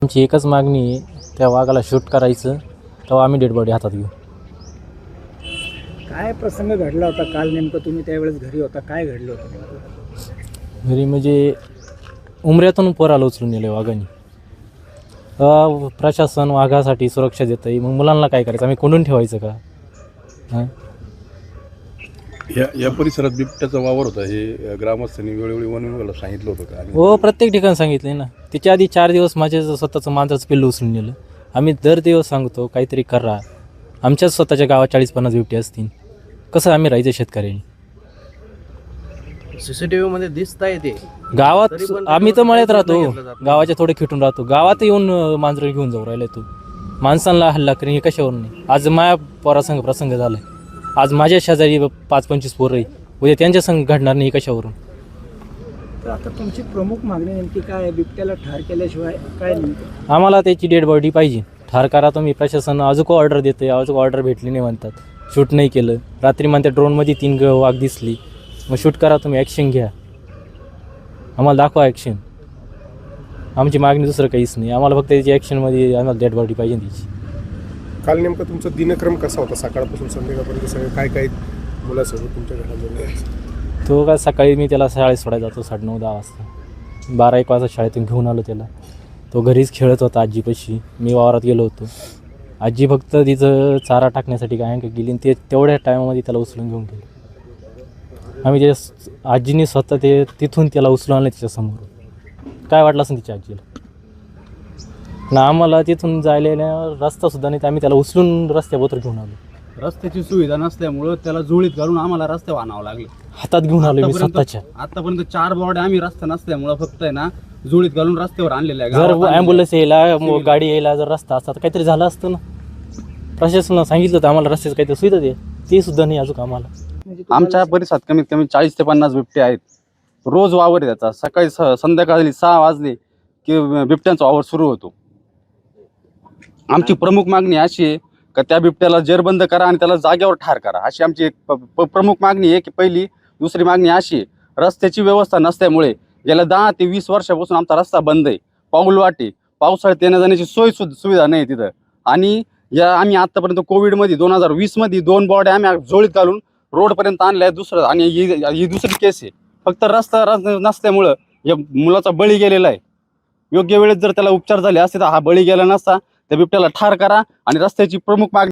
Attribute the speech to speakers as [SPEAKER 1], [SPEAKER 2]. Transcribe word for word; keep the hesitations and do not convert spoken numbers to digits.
[SPEAKER 1] आमची एकच मागणी आहे, त्या वाघाला शूट करायचं, तेव्हा आम्ही डेड बॉडी हातात घेऊ.
[SPEAKER 2] काय प्रसंग घडला होता काल नेमकं? तुम्ही त्यावेळेस घरी होता, काय घडलं होतं नेमकं?
[SPEAKER 1] घरी म्हणजे उमऱ्यातून पोराला उचलून नेलं वाघाने. अ, प्रशासन वाघासाठी सुरक्षा देतं आहे, मग मुलांना काय करायचं? आम्ही कोंडून ठेवायचं का? हां
[SPEAKER 3] या या परिसरात बिबट्याचा वावर होता हे ग्रामस्थांनी वेळोवेळी वन विभागाला सांगितलं होतं का? आणि
[SPEAKER 1] हो, प्रत्येक ठिकाणी सांगितलं ना. त्याच्या आधी चार दिवस माझे स्वतःचं मांजराचं पिल्लू उचलून नेलं. आम्ही दर दिवस सांगतो काहीतरी करा. आमच्याच स्वतःच्या गावात चाळीस पन्नास बिबटे असतील, कसं आम्ही राहायचं शेतकऱ्यांनी?
[SPEAKER 4] सीसीटीव्ही मध्ये दिसता येते
[SPEAKER 1] गावात
[SPEAKER 4] तरी पण
[SPEAKER 1] आम्ही तर मळ्यात
[SPEAKER 4] त्याच्यावर
[SPEAKER 1] राहतो,
[SPEAKER 4] निर्णय घेतला जात नाही.
[SPEAKER 1] गावाच्या थोडे खिटून राहतो. गावात येऊन अं, मांजरं घेऊन जाऊ राहिलाय तू. माणसांना हल्ला करेन हे कशावर नाही? आज माझ्या पोरासंग प्रसंग झालाय. आज माझ्या शेजारी पाच पंचवीस पोरं आहे, उद्या त्यांच्या संग घडणार नाही कशावरून?
[SPEAKER 2] तर आता तुमची प्रमुख मागणी नेमकी काय आहे? बिबट्याला ठार केल्याशिवाय काय नेमकं?
[SPEAKER 1] आम्हाला त्याची डेड बॉडी पाहिजे. ठार करा तुम्ही. प्रशासन अजून ऑर्डर देतं आहे, अजून ऑर्डर भेटली नाही म्हणतात. शूट नाही केलं. रात्री म्हणतात ड्रोनमध्ये तीन ग वाघ दिसली. मग शूट करा तुम्ही, ॲक्शन घ्या, आम्हाला दाखवा ॲक्शन. आमची मागणी दुसरं काहीच नाही. आम्हाला फक्त त्याची ॲक्शनमध्ये आम्हाला डेड बॉडी पाहिजे त्याची.
[SPEAKER 5] काल नेमकं तुमचा दिनक्रम कसा होता? सकाळपासून संध्याकाळपर्यंत सगळं काय काय मुलासोबत तुमच्या घरामध्ये?
[SPEAKER 1] तो काय सकाळी मी त्याला शाळेत सोडायला जातो साडेनऊ दहा वाजता. बारा एक वाजता शाळेतून घेऊन आलो त्याला. तो घरीच खेळत होता आजीपाशी. मी वावरात गेलो होतो. आजी फक्त तिचं चारा टाकण्यासाठी काय काय गेली, आणि ते तेवढ्या टायमामध्ये त्याला उचलून घेऊन गेलो. आम्ही ते आजीने स्वतः ते तिथून त्याला उचलून आणलं तिच्यासमोर. काय वाटलं असं तिच्या आजीला ना? आम्हाला तिथून जायला रस्तासुद्धा नाही, तर आम्ही त्याला उचलून रस्त्याबरोबर घेऊन आलो.
[SPEAKER 4] रस्त्याची सुविधा नसल्यामुळं त्याला जुळीत घालून आम्हाला रस्त्यावर आणावं लागले.
[SPEAKER 1] हातात घेऊन आलो मी
[SPEAKER 4] आतापर्यंत-
[SPEAKER 1] स्वतःच्या.
[SPEAKER 4] आतापर्यंत चार बॉडी आम्ही रस्ता नसल्यामुळं फक्त आहे ना जुळीत घालून रस्त्यावर आणलेल्या आहे.
[SPEAKER 1] जर
[SPEAKER 4] गावात आणलेल्या
[SPEAKER 1] ॲम्ब्युलन्स
[SPEAKER 4] आहे.
[SPEAKER 1] यायला, मग गाडी यायला जर रस्ता असता तर काहीतरी झालं असतं ना. प्रशासनानं सांगितलं होतं आम्हाला रस्त्याचं काहीतरी सुविधा दे, ते सुद्धा नाही अजून आम्हाला.
[SPEAKER 2] म्हणजे तुम्हाला
[SPEAKER 4] आमच्या परिसरात कमीत कमी चाळीस ते पन्नास बिबटे आहेत. रोज वावर आहे त्याचा. सकाळी स- संध्याकाळी सहा वाजले की बिबट्यांचा वावर सुरू होतो. आमची प्रमुख मागणी अशी आहे का त्या बिबट्याला जेरबंद करा आणि त्याला जागेवर ठार करा, अशी आमची एक प- प- प्रमुख मागणी आहे. की पहिली. दुसरी मागणी अशी आहे, रस्त्याची व्यवस्था नसल्यामुळे गेल्या दहा ते वीस वर्षापासून आमचा रस्ता बंद आहे. पाऊल वाटे, पावसाळ्यात येण्या जाण्याची सोय सुद्धा सुविधा नाही तिथं. आणि या आम्ही आतापर्यंत कोविडमध्ये दोन हजार वीसमध्ये दोन बॉड्या आम्ही जोडीत घालून रोडपर्यंत आणल्या. दुसरं आणि ही ही दुसरी केस आहे. फक्त रस्ता रस नसल्यामुळं या मुलाचा बळी गेलेला आहे. योग्य वेळेत जर त्याला उपचार झाले असते तर हा बळी गेला नसता. त्या बिबट्याला ठार करा आणि रस्त्याची प्रमुख मागणी